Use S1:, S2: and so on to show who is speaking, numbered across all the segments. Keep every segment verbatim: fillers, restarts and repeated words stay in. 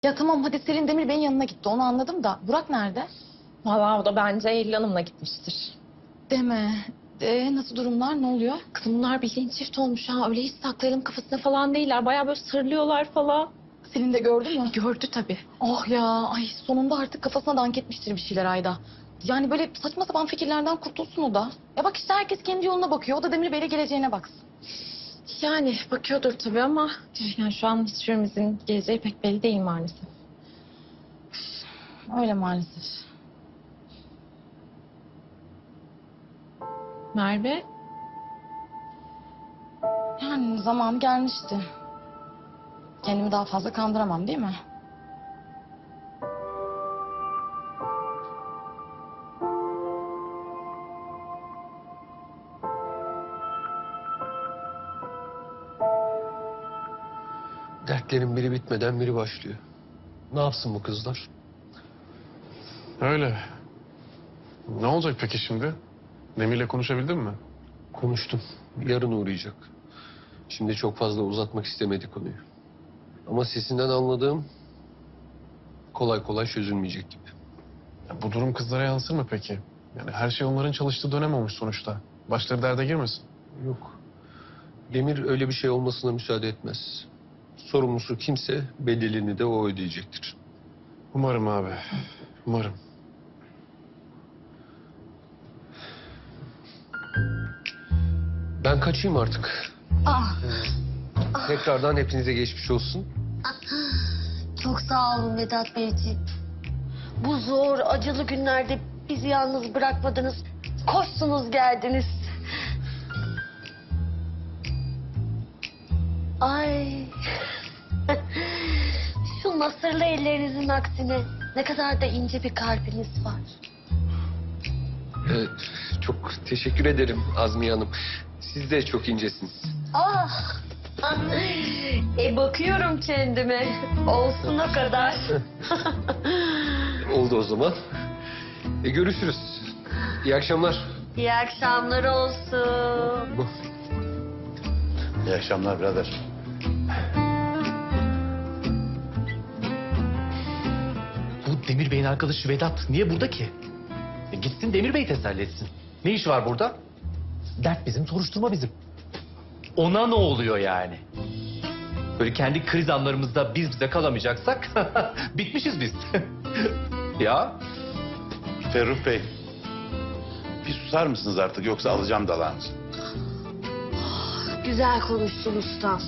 S1: Ya tamam hadi Selin Demir Bey'in yanına gitti onu anladım da Burak nerede?
S2: Vallahi o da bence Eylül Hanım'la gitmiştir.
S1: Deme. Ee, nasıl durumlar ne oluyor?
S2: Kızım bunlar bildiğin çift olmuş ha. Öyle hiç saklayalım kafasına falan değiller. Bayağı böyle sırlıyorlar falan.
S1: Selin de gördü mü?
S2: Gördü tabii.
S1: Oh ya ay sonunda artık kafasına dank etmiştir bir şeyler Ayda. Yani böyle saçma sapan fikirlerden kurtulsun o da. Ya bak işte herkes kendi yoluna bakıyor. O da Demir Bey'le geleceğine baksın.
S2: Yani bakıyordur tabii ama yani şu an hiçbirimizin geleceği pek belli değil maalesef.
S1: Öyle maalesef.
S2: Merve,
S1: Yani zamanı gelmişti. Kendimi daha fazla kandıramam değil mi?
S3: Dertlerin biri bitmeden biri başlıyor. Ne yapsın bu kızlar?
S4: Öyle. Ne olacak peki şimdi? Demir'le konuşabildin mi?
S3: Konuştum. Yarın uğrayacak. Şimdi çok fazla uzatmak istemedi konuyu. Ama sesinden anladığım kolay kolay çözülmeyecek gibi.
S4: Ya bu durum kızlara yansır mı peki? Yani her şey onların çalıştığı dönem olmuş sonuçta. Başları derde girmesin.
S3: Yok. Demir öyle bir şey olmasına müsaade etmez. Sorumlusu kimse bedelini de o ödeyecektir.
S4: Umarım abi. Umarım.
S3: Ben kaçayım artık.
S5: Ah,
S3: Tekrardan hepinize geçmiş olsun.
S5: çok sağ olun Vedat Beyciğim. Bu zor, acılı günlerde bizi yalnız bırakmadınız. Koştunuz geldiniz. Ay. Şu nasırlı ellerinizin aksine ne kadar da ince bir kalbiniz var.
S3: Evet, çok teşekkür ederim Azmiye Hanım. Siz de çok incesiniz.
S5: Ah. E bakıyorum kendime. Olsun o kadar.
S3: Oldu o zaman. E, görüşürüz. İyi akşamlar.
S5: İyi akşamlar olsun.
S6: İyi akşamlar birader.
S7: Bu Demir Bey'in arkadaşı Vedat niye burada ki? E gitsin Demir Bey teselli etsin. Ne iş var burada? Dert bizim, soruşturma bizim. Ona ne oluyor yani? Böyle kendi kriz anlarımızda biz bize kalamayacaksak bitmişiz biz. Ya
S6: Ferruh Bey. Bir susar mısınız artık yoksa alacağım dalağınızı.
S5: Güzel konuştun ustam.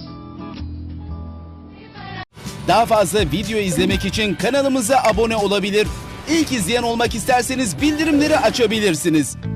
S8: Daha fazla video izlemek için kanalımıza abone olabilir. İlk izleyen olmak isterseniz bildirimleri açabilirsiniz.